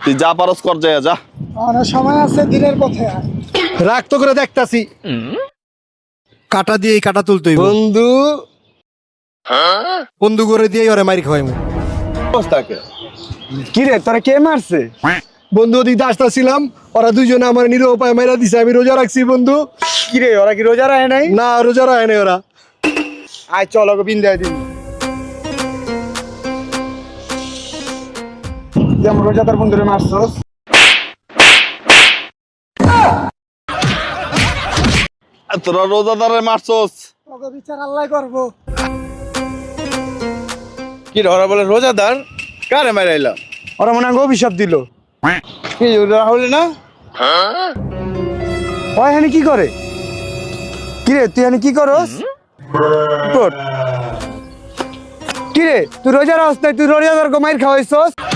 তুই যা পারস কর, যায় যা। অনেক সময় আছে, দিনের পথে আয়। রাগ তো করে দেখতাছি, কাটা দিয়ে কাটা তুলতে হইব। বন্ধু বন্ধু করে দিয়ে ওরে মারি খাওয়াইমু। অবস্থাকে কি রে, তোরা কে মারছে? বন্ধু ওদিক আসতেছিলাম, ওরা দুইজনে আমার নিরীহ উপায় মাইরা দিছে, আমি রোজা রাখছি বন্ধু। কি রে, ওরা কি রোজা রাখে নাই? না, রোজা রাখে নাই ওরা। আয় চল, ওকে বিন্দায় দিন। যেমন রোজাদার বন্ধুরে মারছস। তোরা রোজাদারে মারছস। তোকে বিচার আল্লাহ করবো। কি রে, ওরা বলে রোজাদার? কারে মারাইলা? ওরা মনে হয় অভিশাপ দিল। কি রাহুল না? ওই এখানে কি করে? কি রে, তুই এখানে কি করস? কি রে, তুই রোজা রাখস নাই, তুই রোজাদার মাইর খাওয়াইছস?